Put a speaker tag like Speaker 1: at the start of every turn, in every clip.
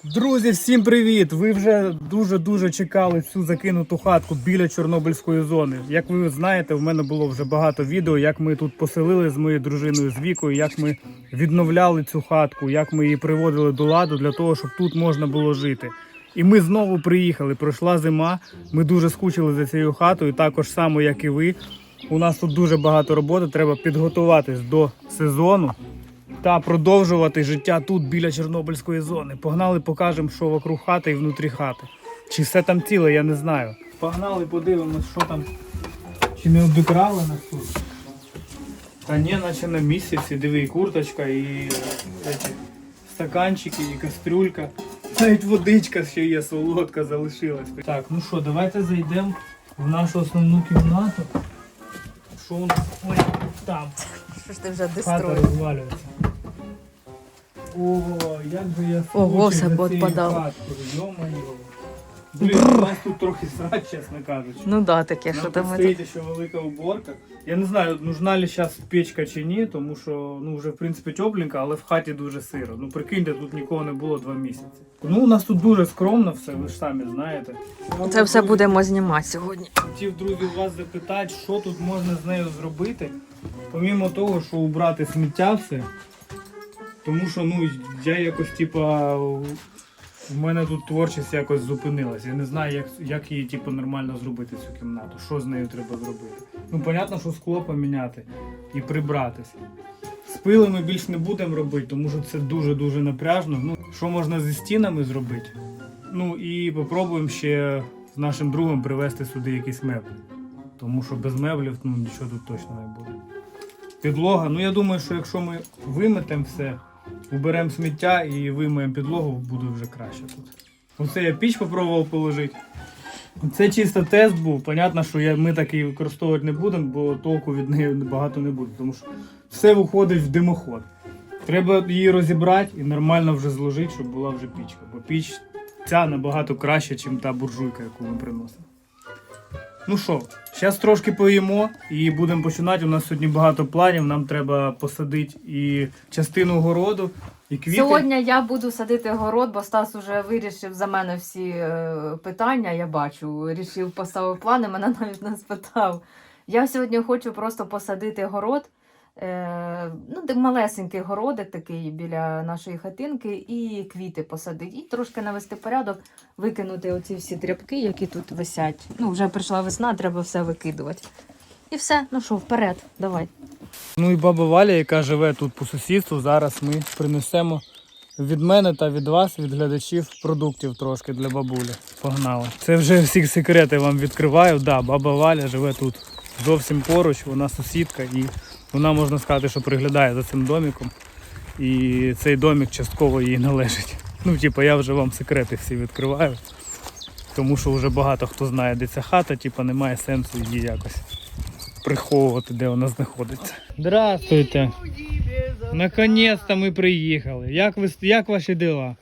Speaker 1: Друзі, всім привіт! Ви вже дуже чекали цю закинуту хатку біля Чорнобильської зони. Як ви знаєте, в мене було вже багато відео, як ми тут поселили з моєю дружиною, з Вікою, як ми відновляли цю хатку, як ми її приводили до ладу для того, щоб тут можна було жити. І ми знову приїхали, пройшла зима, ми дуже скучили за цією хатою, також само, як і ви. У нас тут дуже багато роботи, треба підготуватись до сезону та продовжувати життя тут, біля Чорнобильської зони. Погнали, покажемо, що вокруг хати і внутрі хати. Чи все там ціле, я не знаю. Погнали, подивимось, що там. Чи не обікрали нас тут? Та ні, наче на місці всі. Диви, і курточка, і стаканчики, і кастрюлька. Навіть водичка ще є, солодка залишилась. Так, ну що, давайте зайдемо в нашу основну кімнату. Що у нас? Ой, там.
Speaker 2: Що ж ти вже
Speaker 1: Хата
Speaker 2: дестроїв?
Speaker 1: розвалюється. О, як же я
Speaker 2: Ого,
Speaker 1: скучив
Speaker 2: все
Speaker 1: за цією
Speaker 2: поотпадало.
Speaker 1: хаткою, йо-моє. Блін, у нас тут трохи срач, чесно кажучи.
Speaker 2: Ну да, таке,
Speaker 1: Нам
Speaker 2: що
Speaker 1: тут
Speaker 2: там.
Speaker 1: стоїть ще велика уборка. Я не знаю, нужна ли зараз печка чи ні, тому що вже в принципі тепленько, але в хаті дуже сиро. Ну прикиньте, тут нікого не було 2 місяці. Ну у нас тут дуже скромно все, ви ж самі знаєте.
Speaker 2: Це все будемо знімати сьогодні.
Speaker 1: Хотів, друзі, вас запитати, що тут можна з нею зробити, помімо того, що убрати сміття все. Тому що я якось в мене тут творчість якось зупинилась. Я не знаю, як її нормально зробити, цю кімнату. Що з нею треба зробити. Понятно, що скло поміняти і прибратися. Спили ми більш не будемо робити, тому що це дуже напряжно. Що можна зі стінами зробити? І попробуємо ще з нашим другом привезти сюди якісь меблі. Тому що без меблів нічого тут точно не буде. Підлога, я думаю, що якщо ми виметемо все, уберемо сміття і вимиємо підлогу, буде вже краще тут. Оце я піч спробував положити. Це чисто тест був. Понятно, що ми такий використовувати не будемо, бо толку від неї багато не буде. Тому що все виходить в димоход. Треба її розібрати і нормально вже зложити, щоб була вже пічка. Бо піч ця набагато краще, ніж та буржуйка, яку ми приносимо. Ну що, зараз трошки поїмо і будемо починати. У нас сьогодні багато планів, нам треба посадити і частину городу, і квіти.
Speaker 2: Сьогодні я буду садити город, бо Стас уже вирішив за мене всі питання, я бачу. Вирішив, поставив плани, мене навіть не спитав. Я сьогодні хочу просто посадити город. Малесенький городик такий біля нашої хатинки і квіти посадити. І трошки навести порядок, викинути оці всі тряпки, які тут висять. Вже прийшла весна, треба все викидувати. І все, вперед, давай.
Speaker 1: І баба Валя, яка живе тут по сусідству, зараз ми принесемо від мене та від вас, від глядачів, продуктів трошки для бабулі. Погнали. Це вже всі секрети вам відкриваю. Да, баба Валя живе тут зовсім поруч, вона сусідка і вона, можна сказати, що приглядає за цим домиком. І цей домик частково їй належить. Я вже вам секрети всі відкриваю. Тому що вже багато хто знає, де ця хата, немає сенсу її якось приховувати, де вона знаходиться. Здравствуйте! Наконець-то ми приїхали. Як ваші діла?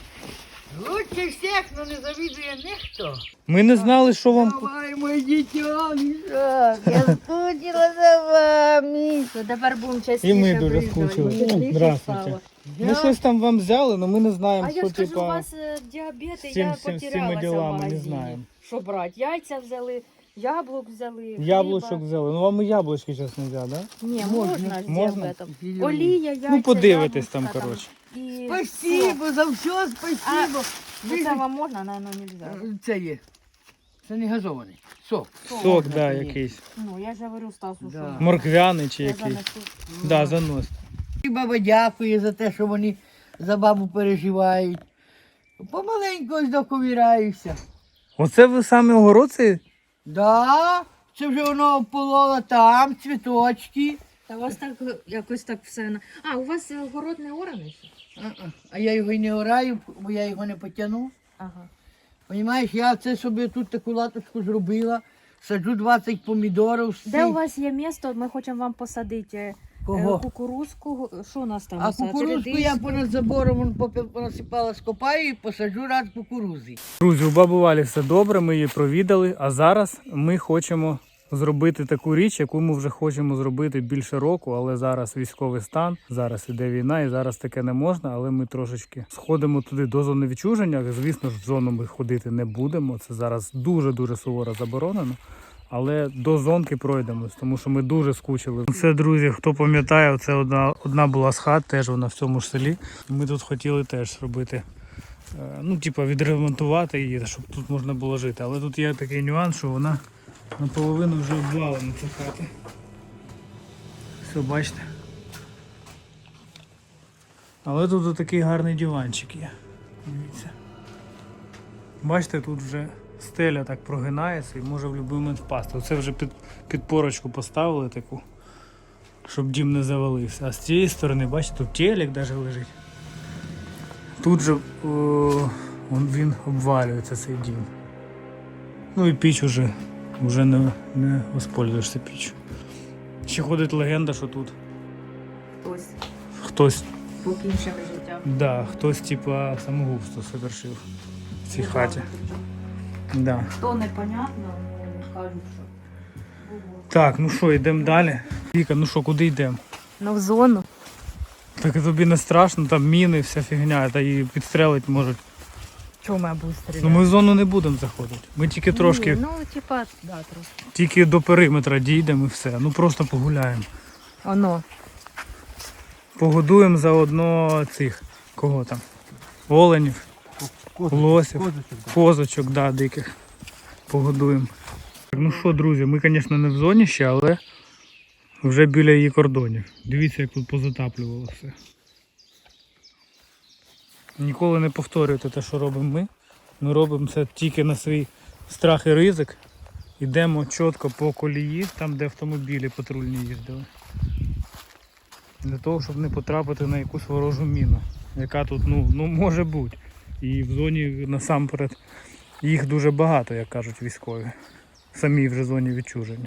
Speaker 3: Лучше всех, но не завидує ніхто.
Speaker 1: Ми не знали, що вам...
Speaker 3: Давай, мой дитя, Мішак, я скучила за вами.
Speaker 2: Тепер будемо частіше
Speaker 1: І ми дуже
Speaker 2: приїжджати.
Speaker 1: скучили. Здравствуйте. Ми щось там вам взяли, але ми не знаємо,
Speaker 2: А
Speaker 1: що
Speaker 2: я скажу, у вас діабет, і я
Speaker 1: з цими
Speaker 2: потерялася в
Speaker 1: ділами не
Speaker 2: магазині.
Speaker 1: знаємо.
Speaker 2: Що брати? Яйця взяли, яблук взяли,
Speaker 1: Яблучок
Speaker 2: хліба.
Speaker 1: взяли. Вам і яблучки зараз не взяли, так? Да?
Speaker 2: Ні, можна з
Speaker 1: Можна?
Speaker 2: діабетом. Олія, яйця,
Speaker 1: Подивитесь там,
Speaker 2: яблучка
Speaker 1: коротше.
Speaker 2: І...
Speaker 3: Спасибо за все, спасибо.
Speaker 2: Це вам можна, наверное, нельзя.
Speaker 3: Це є. Це не газований. Сок.
Speaker 1: Сок, да, якийсь.
Speaker 2: Я ж говорю Стасу, що
Speaker 3: Да.
Speaker 1: Морквяний чи
Speaker 2: я
Speaker 1: якийсь.
Speaker 2: занесу.
Speaker 1: Да, занос.
Speaker 3: І баба дякує за те, що вони за бабу переживають. Помаленьку ось доковіраюся.
Speaker 1: Оце ви саме огородці?
Speaker 3: Да, це вже воно опололо там, цвіточки.
Speaker 2: Та у вас так, якось так все... А, у вас город не ораний?
Speaker 3: А я його й не ораю, бо я його не потягну.
Speaker 2: Ага.
Speaker 3: Понімаєш, я це собі тут таку латочку зробила, саджу 20 помідорів.
Speaker 2: Де у вас є місто, ми хочемо вам посадити
Speaker 3: Кого?
Speaker 2: кукурузку. Що у нас там?
Speaker 3: А кукурузку я понад забором понасипала, скопаю і посаджу рад кукурузи.
Speaker 1: Друзі, у баби Валі все добре, ми її провідали, а зараз ми хочемо зробити таку річ, яку ми вже хочемо зробити більше року, але зараз військовий стан, зараз іде війна і зараз таке не можна, але ми трошечки сходимо туди до зони відчуження. Звісно ж, в зону ми ходити не будемо, це зараз дуже-дуже суворо заборонено. Але до зонки пройдемось, тому що ми дуже скучили. Це, друзі, хто пам'ятає, це одна була з хат, теж вона в цьому ж селі. Ми тут хотіли теж робити, ну, типа відремонтувати її, щоб тут можна було жити. Але тут є такий нюанс, що вона наполовину вже обвалена, ця хата. Все, бачите. Але тут такий гарний диванчик є. Дивіться. Бачите, тут вже стеля так прогинається і може в будь-який момент впасти. Оце вже підпорочку поставили таку, щоб дім не завалився. А з цієї сторони, бачите, тут телек навіть лежить. Тут же він обвалюється, цей дім. Ну і піч вже не воспользуєшся піччю. Ще ходить легенда, що тут хтось
Speaker 2: покінчив життя.
Speaker 1: Да, хтось типа самогубство совершив в цій хаті. Да.
Speaker 2: То непонятно, кажуть, що було.
Speaker 1: Так, ну що, йдемо далі. Віка, ну що, куди йдемо?
Speaker 2: Ну в зону.
Speaker 1: Так тобі не страшно, там міни, вся фігня, та її підстрелити можуть.
Speaker 2: Чому я буду стріляти?
Speaker 1: Ну ми в зону не будемо заходити. Ми тільки трошки,
Speaker 2: Ні, ну типа, да, трошки.
Speaker 1: тільки до периметра дійдемо і все. Ну просто погуляємо.
Speaker 2: Оно.
Speaker 1: Погодуємо заодно цих, кого там? Оленів, лосів, козочок, да, диких. Погодуємо. Ну що, друзі, ми, звісно, не в зоні ще, але вже біля її кордонів. Дивіться, як тут позатаплювало все. Ніколи не повторюйте те, що робимо ми. Ми робимо це тільки на свій страх і ризик. Йдемо чітко по колії, там де автомобілі патрульні їздили. Для того, щоб не потрапити на якусь ворожу міну, яка тут ну може бути. І в зоні насамперед їх дуже багато, як кажуть військові. В самій вже зоні відчуження.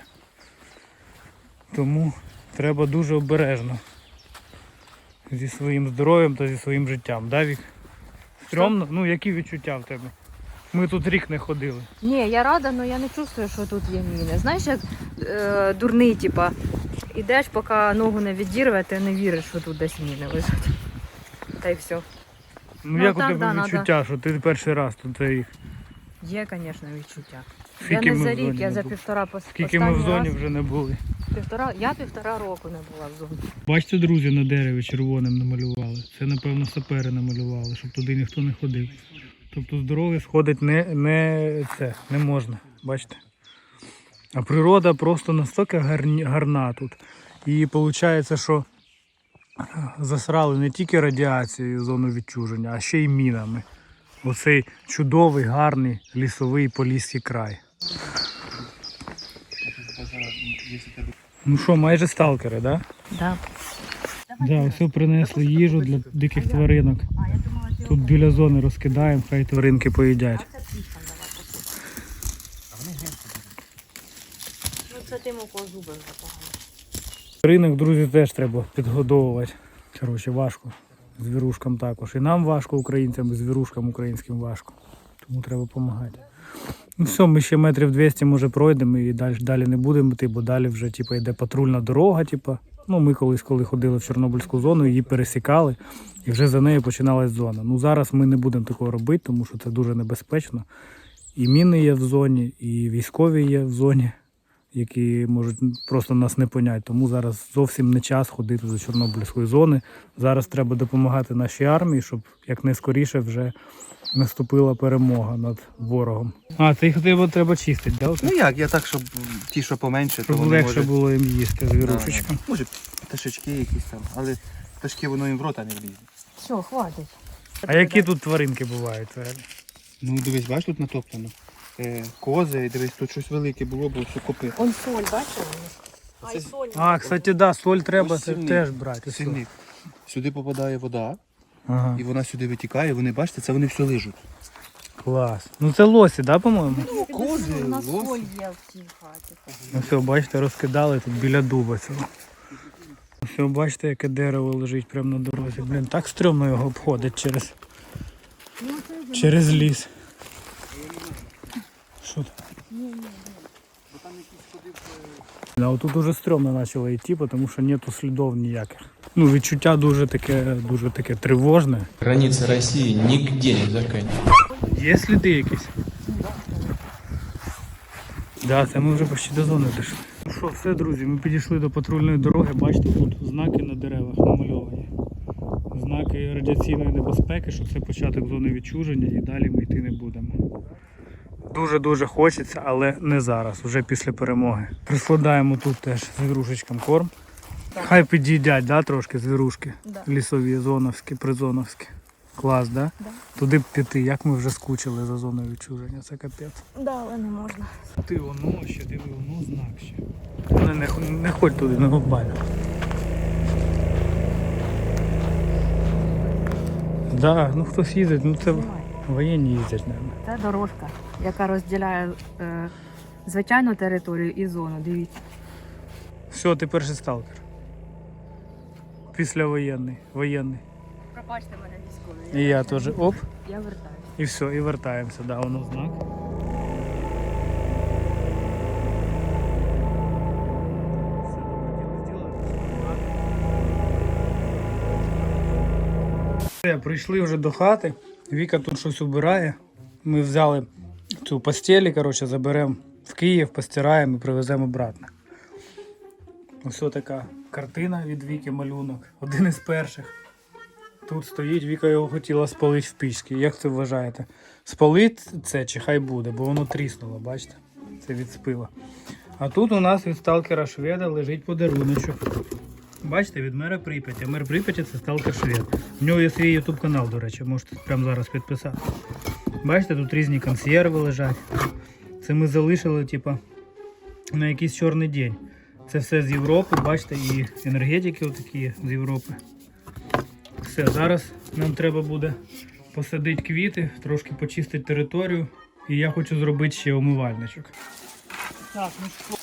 Speaker 1: Тому треба дуже обережно зі своїм здоров'ям та зі своїм життям. Да, Вік? Стрьомно? Ну, які відчуття в тебе? Ми тут рік не ходили.
Speaker 2: Ні, я рада, але я не чувствую, що тут є міни. Знаєш, як дурний, типа, ідеш, поки ногу не відірве, ти не віриш, що тут десь міни лежать. Та й все.
Speaker 1: Ну,
Speaker 2: Ну,
Speaker 1: як
Speaker 2: так,
Speaker 1: у тебе
Speaker 2: да,
Speaker 1: відчуття, що ти перший раз тут рік?
Speaker 2: Є, звісно, відчуття.
Speaker 1: Скільки
Speaker 2: Я не
Speaker 1: ми
Speaker 2: за
Speaker 1: в зоні
Speaker 2: рік, я
Speaker 1: не
Speaker 2: за
Speaker 1: були?
Speaker 2: півтора
Speaker 1: Скільки ми в
Speaker 2: останній
Speaker 1: зоні
Speaker 2: раз.
Speaker 1: вже не були.
Speaker 2: Я півтора року не була в зоні.
Speaker 1: Бачите, друзі, на дереві червоним намалювали. Це, напевно, сапери намалювали, щоб туди ніхто не ходив. Тобто з дороги сходить не можна. Бачите? А природа просто настільки гарна тут. І виходить, що засрали не тільки радіацією зону відчуження, а ще й мінами. Оцей чудовий, гарний лісовий поліський край. Ну що, майже сталкери, так?
Speaker 2: Да.
Speaker 1: Да, все принесли їжу для диких тваринок. Тут біля зони розкидаємо, хай тваринки поїдять.
Speaker 2: Ну це тим, у кого зуби вже погано.
Speaker 1: Тваринок, друзі, теж треба підгодовувати. Коротше, важко. Звірушкам також. І нам важко, українцям, і звірушкам українським важко. Тому треба допомагати. Ну все, ми ще метрів 200 може пройдемо і далі не будемо йти, бо далі вже йде патрульна дорога. Ну, ми колись, коли ходили в Чорнобильську зону, її пересікали і вже за нею починалась зона. Ну зараз ми не будемо такого робити, тому що це дуже небезпечно. І міни є в зоні, і військові є в зоні, які можуть просто нас не поняти. Тому зараз зовсім не час ходити до Чорнобильської зони. Зараз треба допомагати нашій армії, щоб якнайскоріше вже наступила перемога над ворогом. А, це їх треба чистити, так?
Speaker 4: Ну як, я так, щоб ті, що поменше, то
Speaker 1: Щоб
Speaker 4: вони
Speaker 1: легше
Speaker 4: можуть...
Speaker 1: було їм їсти звірушечка.
Speaker 4: Може пташечки якісь там, але пташки воно їм в рота не влізе.
Speaker 2: Все, хватить.
Speaker 1: А які тут тваринки бувають? Взагалі?
Speaker 4: Ну дивись, бачиш, тут натоплено. Кози, дивись, тут щось велике було, бо все копи.
Speaker 2: Он соль, бачила? Ай, соль.
Speaker 1: А, кстати, да, соль треба
Speaker 4: Ось сильник.
Speaker 1: теж брати.
Speaker 4: Сильник. Сюди попадає вода,
Speaker 1: Ага,
Speaker 4: і вона сюди витікає, вони, бачите, це вони все лижуть.
Speaker 1: клас. Ну це лосі, да, по-моєму?
Speaker 4: Ну, кози,
Speaker 2: У нас
Speaker 4: лоси.
Speaker 2: соль є в цій хаті.
Speaker 1: Ну все, бачите, розкидали тут біля дуба цього. Все, бачите, яке дерево лежить прямо на дорозі. Блін, так стрьомно його обходить через ліс. Що там? А тут уже стрьомно почало йти, тому що нету слідів ніяких. Ну, відчуття дуже таке тривожне.
Speaker 5: Границы России нигде не заканчиваются.
Speaker 1: Є сліди якісь? Да, це ми вже почти до зони дійшли. Ну що, все, друзі, ми підійшли до патрульної дороги. Бачите, тут знаки на деревах намальовані. Знаки радіаційної небезпеки, що це початок зони відчуження і далі ми йти не будемо. Дуже-дуже хочеться, але не зараз, вже після перемоги. Прискладаємо тут теж звірушечкам корм. Хай під'їдять, да, трошки звірушки.
Speaker 2: Да.
Speaker 1: Лісові, зоновські, призоновські. Клас, да?
Speaker 2: Да.
Speaker 1: Туди б піти, як ми вже скучили за зоною відчуження, це капець.
Speaker 2: Да, але не можна.
Speaker 1: Ти воно ще, диви, воно знак ще. Не ходь туди, не глобально. Да, ну хтось їздить, ну це воєнні їздять, мабуть.
Speaker 2: Це дорожка, яка розділяє звичайну територію і зону. Дивіться.
Speaker 1: Все, ти перший сталкер. Післявоєнний, воєнний.
Speaker 2: Пробачте мене військові.
Speaker 1: І я теж, оп,
Speaker 2: Я вертаюся.
Speaker 1: і все, і вертаємося, да, воно знак. Все, прийшли вже до хати. Віка тут щось убирає. Ми взяли цю постелі, коротше, заберемо в Київ, постираємо і привеземо обратно. Ось така картина від Віки, малюнок. Один із перших. Тут стоїть, Віка його хотіла спалити в пічці. Як це вважаєте? Спалить це чи хай буде, бо воно тріснуло, бачите? Це від спила. А тут у нас від сталкера Шведа лежить подаруночок. Бачите, від мера Прип'яті. Мер Прип'яті це сталкер Швед. В нього є свій YouTube канал, до речі, можете прямо зараз підписати. Бачите, тут різні консерви лежать. Це ми залишили, типа, на якийсь чорний день. Це все з Європи, бачите, і енергетики отакі з Європи. Все, зараз нам треба буде посадити квіти, трошки почистити територію. І я хочу зробити ще умивальничок. Так, ну що.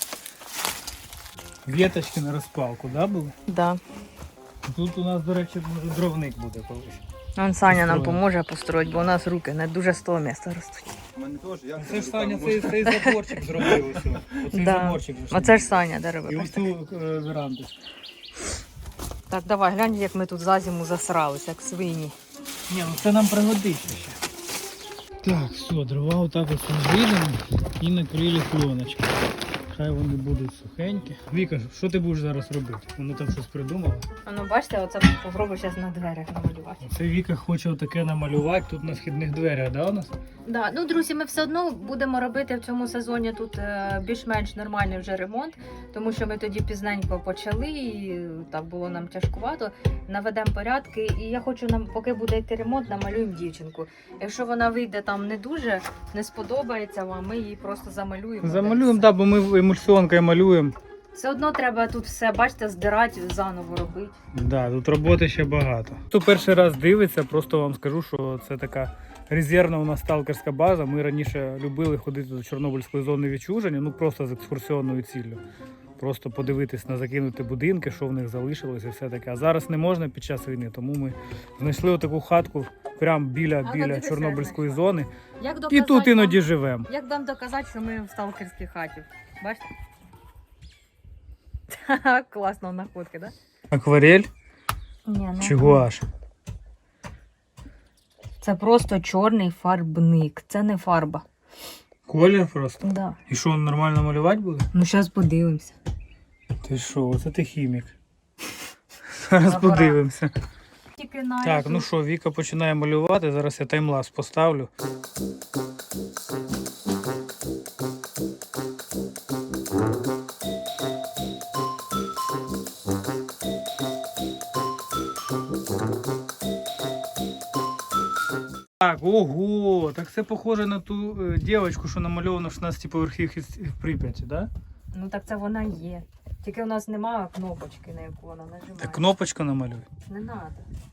Speaker 1: Віточки на розпалку, да, були?
Speaker 2: Да.
Speaker 1: Тут у нас, до речі, може дровник буде колись.
Speaker 2: Он Саня нам поможе построїти, бо у нас руки не дуже з того місця ростуть.
Speaker 1: Це ж Саня цей заборчик зробив ось. Оцей
Speaker 2: Да.
Speaker 1: заборчик.
Speaker 2: Оце ж Саня дерево.
Speaker 1: І ось цю веранду.
Speaker 2: Так, давай, глянь, як ми тут за зиму засрались, як свині.
Speaker 1: Ні, ну це нам пригодиться ще. Так, все, дрова отак ось розвідемо і накрили пленочки. Хай вони будуть сухенькі. Віка, що ти будеш зараз робити? Вона там щось придумала.
Speaker 2: А ну бачите, оце попробую зараз на дверях намалювати.
Speaker 1: Це Віка хоче таке намалювати тут на східних дверях, да, у нас?
Speaker 2: Да, ну друзі, ми все одно будемо робити в цьому сезоні тут більш-менш нормальний вже ремонт, тому що ми тоді пізненько почали, і так було нам тяжкувато. Наведемо порядки, і я хочу, нам, поки буде йти ремонт, намалюємо дівчинку. Якщо вона вийде там не дуже, не сподобається вам, ми її просто замалюємо.
Speaker 1: Замалюємо, так, бо ми емульсіонкою малюємо.
Speaker 2: Все одно треба тут все, бачите, здирати, заново робити.
Speaker 1: Да, тут роботи ще багато. Хто перший раз дивиться, просто вам скажу, що це така резервна у нас сталкерська база. Ми раніше любили ходити до Чорнобильської зони відчуження, ну просто з екскурсіонною ціллю. Просто подивитись на закинуті будинки, що в них залишилось і все таке. А зараз не можна під час війни, тому ми знайшли отаку хатку прямо біля Чорнобильської зони.
Speaker 2: Як
Speaker 1: І
Speaker 2: доказати
Speaker 1: тут іноді
Speaker 2: вам-
Speaker 1: живемо.
Speaker 2: Як вам доказати, що ми в сталкерській хаті? Бачите? Класна находка, да?
Speaker 1: Акварель
Speaker 2: Ні,
Speaker 1: чи гуаш?
Speaker 2: Це просто чорний фарбник, це не фарба.
Speaker 1: Колір просто.
Speaker 2: Да.
Speaker 1: І що, нормально малювати буде?
Speaker 2: Ну, зараз подивимося.
Speaker 1: Ти що, оце ти хімік. Зараз
Speaker 2: Апарат.
Speaker 1: подивимося.
Speaker 2: Тільки на
Speaker 1: Так, ну що, Віка починає малювати, зараз я таймлапс поставлю. Так, ого, так це похоже на ту дівчинку, що намальована в 16-поверхівці в Прип'яті, да?
Speaker 2: Ну так це вона є. Тільки у нас немає кнопочки, на яку вона нажимає.
Speaker 1: Так кнопочка намалюй.
Speaker 2: Не треба.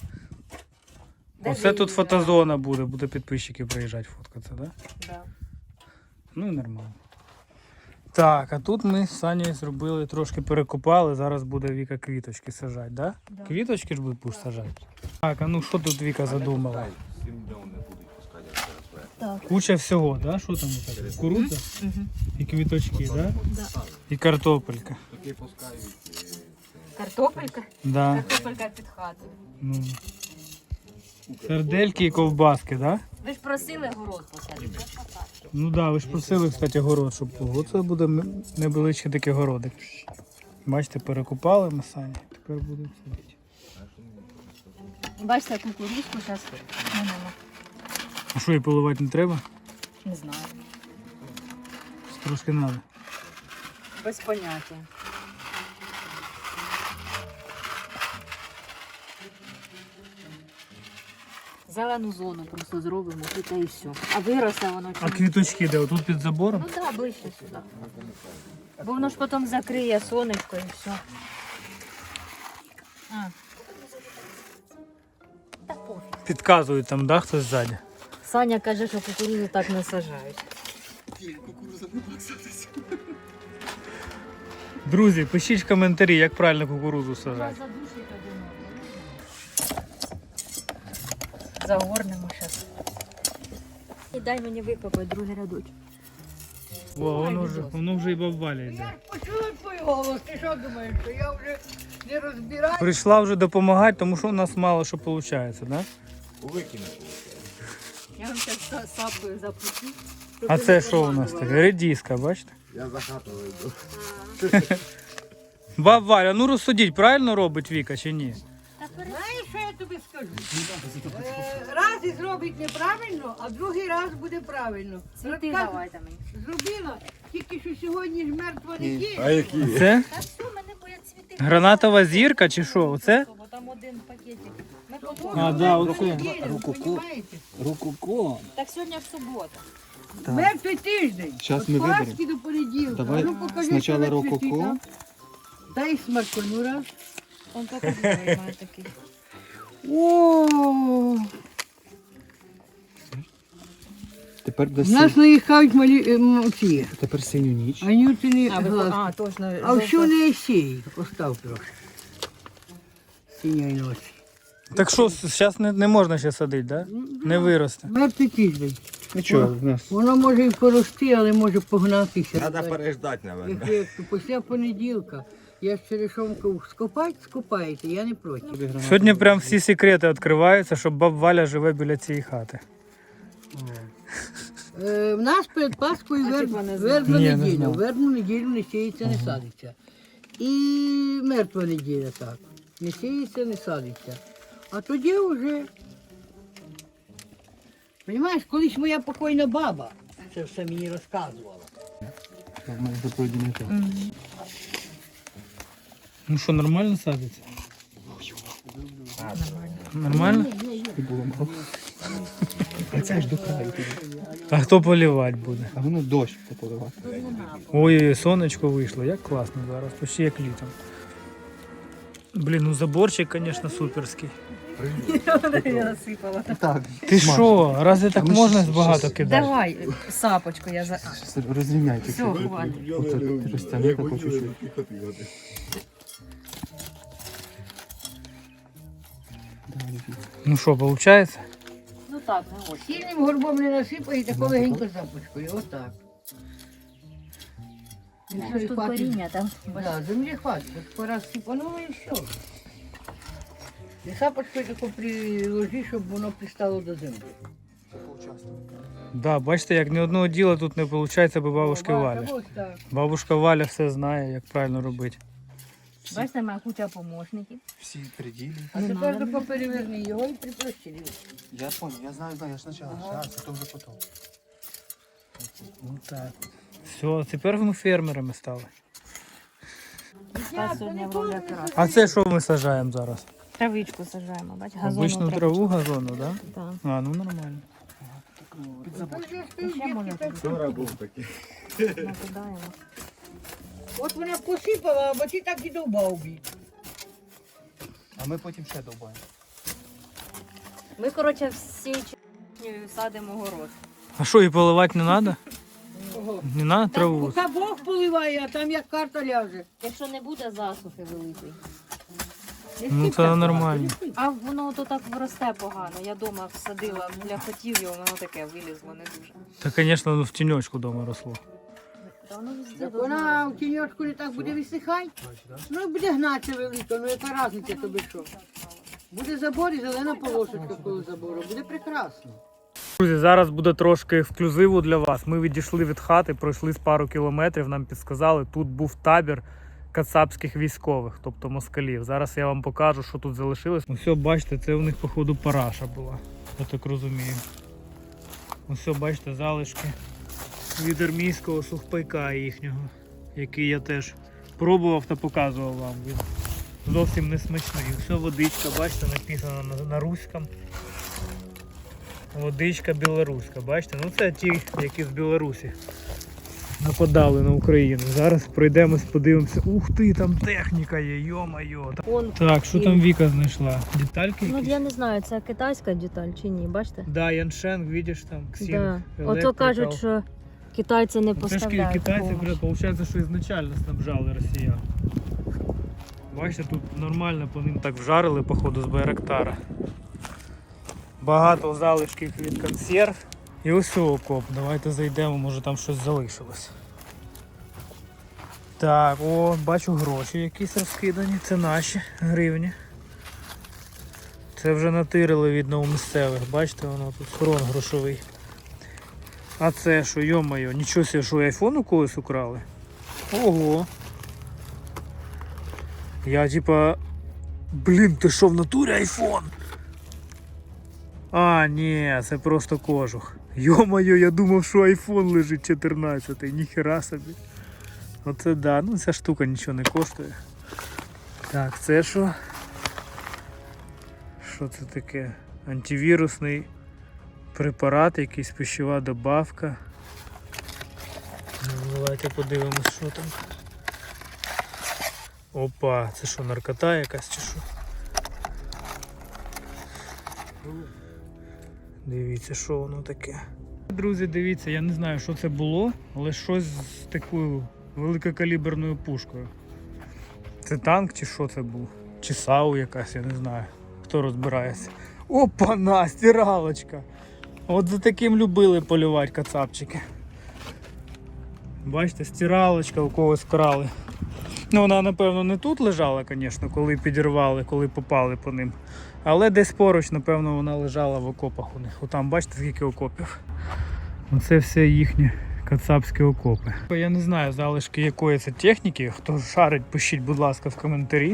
Speaker 1: Оце тут фотозона буде підписчики приїжджати фоткатися, да?
Speaker 2: Да.
Speaker 1: Ну і нормально. Так, а тут ми з Санєю зробили, трошки перекопали, зараз буде Віка квіточки сажати, да?
Speaker 2: Да.
Speaker 1: Квіточки ж будеш сажати? Так, а ну що тут Віка задумала?
Speaker 2: Так.
Speaker 1: Куча всього, да? Що там? Кукурудза
Speaker 2: Угу.
Speaker 1: і квіточки, да?
Speaker 2: Да.
Speaker 1: І картопелька.
Speaker 2: Картопелька?
Speaker 1: Да.
Speaker 2: Картопелька під хатою.
Speaker 1: Ну. Сердельки і ковбаски, да?
Speaker 2: Ви ж просили город посадити.
Speaker 1: Ну да, ви ж просили, кстати, город, щоб було. Оце буде невеличкий такий городик. Бачите, перекупали ми самі, тепер будемо садити.
Speaker 2: Бачите, кукурузку зараз немає.
Speaker 1: А що, її поливати не треба?
Speaker 2: Не знаю.
Speaker 1: Трошки треба.
Speaker 2: Без поняття. Зелену зону просто зробимо, тут і все. А виросте воно чи
Speaker 1: А
Speaker 2: ні?
Speaker 1: квіточки де? Отут під забором?
Speaker 2: Ну так, да, ближче сюди. Бо воно ж потім закриє сонечко і все. А. Та пофіг.
Speaker 1: Підказують там, да, хтось ззаді.
Speaker 2: Саня каже, що кукурудзу так не сажають.
Speaker 1: Друзі, пишіть в коментарі, як правильно кукурудзу сажати.
Speaker 2: Загорнемо зараз. І дай мені викопати другий рядочок.
Speaker 1: О, воно вже і бабваля йде.
Speaker 3: Я почула твій голос, ти що думаєш, що я вже не розбираю?
Speaker 1: Прийшла вже допомагати, тому що у нас мало що виходить, да?
Speaker 2: Я вам зараз сапкою запущу.
Speaker 1: А це що у нас таке? Редіска, бачите?
Speaker 6: Я за хату вийду.
Speaker 1: Баб Валя, ну розсудіть, правильно робить Віка чи ні?
Speaker 3: Знаєш, що я тобі скажу? Раз і зробить неправильно, а другий раз буде правильно.
Speaker 2: Цвіти
Speaker 3: Розказ-
Speaker 2: давайте мені.
Speaker 3: Зробила, тільки що сьогодні ж мертва неділя.
Speaker 6: А які?
Speaker 1: Це
Speaker 2: Та все, мене боять цвіти.
Speaker 1: гранатова зірка чи що? Оце?
Speaker 2: Бо там один пакетик. Ми потім.
Speaker 1: А, да, оце.
Speaker 3: Неділя, понімаєте?
Speaker 6: Рукоко.
Speaker 2: Так сьогодні ж субота.
Speaker 3: Мертвий тиждень.
Speaker 4: Щас
Speaker 3: От
Speaker 4: ми
Speaker 3: Пасхи
Speaker 4: виберемо.
Speaker 3: до понеділка.
Speaker 4: Давай
Speaker 3: Ну, покажи,
Speaker 4: спочатку
Speaker 3: що ви цвіти
Speaker 4: рококо.
Speaker 3: там. Дай смарку, ну раз.
Speaker 2: Он тільки другий має такий.
Speaker 3: О,
Speaker 4: Тепер до
Speaker 3: в нас наїхають малі ці.
Speaker 4: Тепер синю ніч.
Speaker 3: Анютини
Speaker 2: А, ви,
Speaker 3: глазки.
Speaker 2: а точно.
Speaker 3: А що не сій? Постав трохи. Синьої ночі.
Speaker 1: Так що, зараз не можна ще садити, да? Не виросте.
Speaker 3: Мертвий тиждень.
Speaker 4: Нічого, в нас.
Speaker 3: Воно може і порости, але може погнатися.
Speaker 6: Треба переждати, мабуть.
Speaker 3: Ефекту. Після понеділка я ж черешонку скопаєте, я не проти.
Speaker 1: Сьогодні прям всі секрети відкриваються, що баб Валя живе біля цієї хати.
Speaker 3: В нас перед Пасхою
Speaker 2: А, типа, не знаю.
Speaker 3: вербна
Speaker 1: Ні, не
Speaker 3: неділя.
Speaker 1: знав.
Speaker 3: Вербну неділю не сіється, не садиться. І мертва неділя так. Не сіється, не садиться. А тоді вже. Розумієш, колись моя покойна баба це все мені розказувала.
Speaker 4: В мене заповідні так.
Speaker 1: Ну що, нормально садиться? Нормально?
Speaker 4: І було мало. А це ж до краю тоді.
Speaker 1: А хто полівати буде?
Speaker 4: А воно дощ поливати.
Speaker 1: Ой, сонечко вийшло, як класно зараз, почти як літом. Блін, ну заборчик, звісно, суперський.
Speaker 2: Я насипала.
Speaker 4: Так.
Speaker 1: Ти що, разве так
Speaker 4: ми
Speaker 1: можна
Speaker 4: щас-
Speaker 1: багато кидати?
Speaker 2: Давай сапочку я за.
Speaker 4: Розрівняйте.
Speaker 2: Все, хватить.
Speaker 4: Оце ти розтягни таку чуть-чуть.
Speaker 1: Ну що, виходить?
Speaker 2: Ну так, не ось.
Speaker 3: Сильним горбом не насипаєте, легенько започкою, отак. І все, і
Speaker 2: Тут
Speaker 3: хватить.
Speaker 2: коріння там.
Speaker 3: Да, землі хватить. От пора сипануло і все. І сапочкою таку приложи, щоб воно пристало до землі.
Speaker 1: Да, бачите, як ні одного діла тут не виходить, бо бабушки
Speaker 3: О,
Speaker 1: Валя.
Speaker 3: ось так.
Speaker 1: Бабушка Валя все знає, як правильно робити.
Speaker 2: Бачите, моя куча помощників.
Speaker 4: Всі приділі.
Speaker 3: А тепер тако переверни його і приплющи.
Speaker 4: Я понял, я знаю, я ж спочатку. Зараз, то вже потім.
Speaker 1: Ну так. Все, тепер ми фермерами стали.
Speaker 2: Та сьогодні в ролі оператора.
Speaker 1: А це що ми саджаємо зараз?
Speaker 2: Травичку сажаємо, бач, газонну
Speaker 1: Обичну траву газону, так? Да?
Speaker 2: Так.
Speaker 1: А, ну нормально.
Speaker 2: Ще може
Speaker 6: Вчора був такий.
Speaker 2: накидаємо.
Speaker 3: От вона посипала, а ти так і довбав бій.
Speaker 4: А ми потім ще довбаємо.
Speaker 2: Ми, коротше, всі черешнею садимо город.
Speaker 1: А що, і поливати не треба? Не треба траву?
Speaker 3: Поки Бог поливає, а там як карта ляже.
Speaker 2: Якщо не буде засухи великої.
Speaker 1: Ну це нормально.
Speaker 2: А воно то так росте погано. Я вдома всадила для котів, і воно таке вилізло не дуже.
Speaker 1: Та, звісно, воно в тіньочку вдома росло.
Speaker 2: Та воно везде
Speaker 3: Так
Speaker 2: должно
Speaker 3: вона
Speaker 2: рости.
Speaker 3: в тіньочку не так буде висихати. Ну буде гнатися велика, ну яка різниця тобі що? Буде забор і зелена полосочка коло забору, буде прекрасно.
Speaker 1: Друзі, зараз буде трошки ексклюзиву для вас. Ми відійшли від хати, пройшли з пару кілометрів, нам підсказали, тут був табір кацапських військових, тобто москалів. Зараз я вам покажу, що тут залишилось. Ось, бачите, це у них, походу, параша була, я так розумію. Ось, бачите, залишки від армійського сухпайка їхнього, який я теж пробував та показував вам. Він зовсім не смачний. Все, водичка, бачите, написано на руському. Водичка білоруська, бачите? Ну це ті, які з Білорусі нападали на Україну. Зараз пройдемось, подивимося. Ух ти, там техніка є, йо-майо. Так, що там Віка знайшла? Детальки
Speaker 2: Ну
Speaker 1: якісь?
Speaker 2: я не знаю, це китайська деталь чи ні, бачите?
Speaker 1: Да, Яншенг, видиш там, Ксінг,
Speaker 2: Да. Ото
Speaker 1: електрика.
Speaker 2: кажуть, що китайці не
Speaker 1: Це ж
Speaker 2: поставляють.
Speaker 1: китайці,
Speaker 2: помощь.
Speaker 1: виходить, що ізначально снабжали росіян. Бачите, тут нормально по ним так вжарили, походу, з Байрактара. Багато залишків від консерв. І ось окоп. Давайте зайдемо, може там щось залишилось. Так, о, бачу гроші якісь розкидані. Це наші гривні. Це вже натирили, видно, у місцевих. Бачите, воно тут схрон грошовий. А це що, йо-моє, нічого себе, що айфон у когось украли? Ого. Я типа... Блін, ти що, в натурі айфон? А, ні, це просто кожух. Йо-моє, я думав, що айфон лежить 14-й, ніхера собі. Оце да, ну ця штука нічого не коштує. Так, це що? Що це таке? Антивірусний препарат, якийсь пищова добавка. Ну, давайте подивимось, що там. Опа, це що, наркота якась чи що? Дивіться, що воно таке. Друзі, дивіться, я не знаю, що це було, але щось з такою великокаліберною пушкою. Це танк чи що це був? Чи САУ якась, я не знаю. Хто розбирається. Опа-на, стиралочка! От за таким любили полювати кацапчики. Бачите, стиралочка у когось вкрали. Ну, вона, напевно, не тут лежала, звісно, коли підірвали, коли попали по ним. Але десь поруч, напевно, вона лежала в окопах у них. Отам, бачите, скільки окопів. Оце все їхні кацапські окопи. Я не знаю, залишки якої це техніки. Хто шарить, пишіть, будь ласка, в коментарі.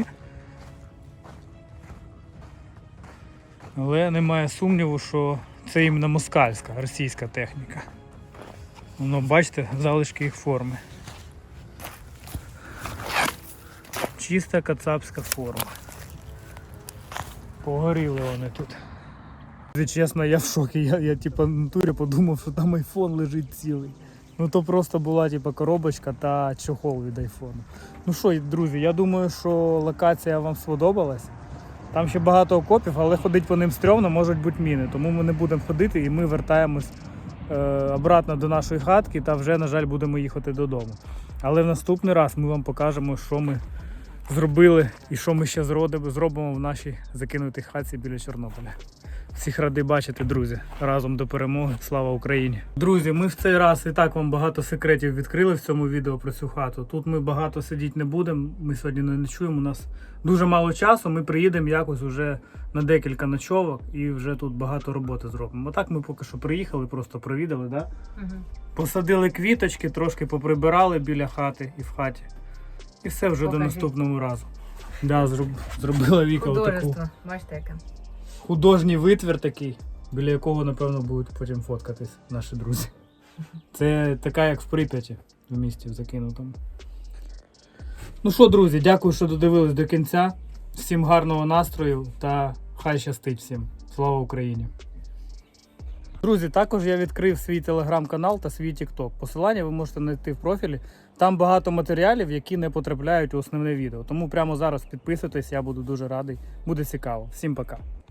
Speaker 1: Але немає сумніву, що це іменно москальська, російська техніка. Воно, бачите, залишки їх форми. Чиста кацапська форма. Погоріли вони тут. Чесно, я в шокі. Я типа в натурі подумав, що там айфон лежить цілий. Ну то просто була типа коробочка та чохол від айфону. Ну що, друзі, я думаю, що локація вам сподобалась. Там ще багато окопів, але ходити по ним стрьомно, можуть бути міни. Тому ми не будемо ходити і ми вертаємось обратно до нашої хатки та вже, на жаль, будемо їхати додому. Але в наступний раз ми вам покажемо, що ми зробили і що ми ще зробимо в нашій закинутій хатці біля Чорнобиля. Всіх радий бачити, друзі. Разом до перемоги. Слава Україні! Друзі, ми в цей раз і так вам багато секретів відкрили в цьому відео про цю хату. Тут ми багато сидіти не будемо, ми сьогодні не ночуємо, у нас дуже мало часу, ми приїдемо якось уже на декілька ночовок і вже тут багато роботи зробимо. Отак ми поки що приїхали, просто провідали, да? Посадили квіточки, трошки поприбирали біля хати і в хаті. І все вже до наступного разу. Да, зробила Віка отаку.
Speaker 2: Бачите, яке?
Speaker 1: Художній витвір такий, біля якого, напевно, будуть потім фоткатись наші друзі. Це така, як в Прип'яті, в місті в закинутому. Ну що, друзі, дякую, що додивились до кінця. Всім гарного настрою та хай щастить всім. Слава Україні! Друзі, також я відкрив свій телеграм-канал та свій тікток. Посилання ви можете знайти в профілі. Там багато матеріалів, які не потрапляють у основне відео. Тому прямо зараз підписуйтесь, я буду дуже радий. Буде цікаво. Всім пока!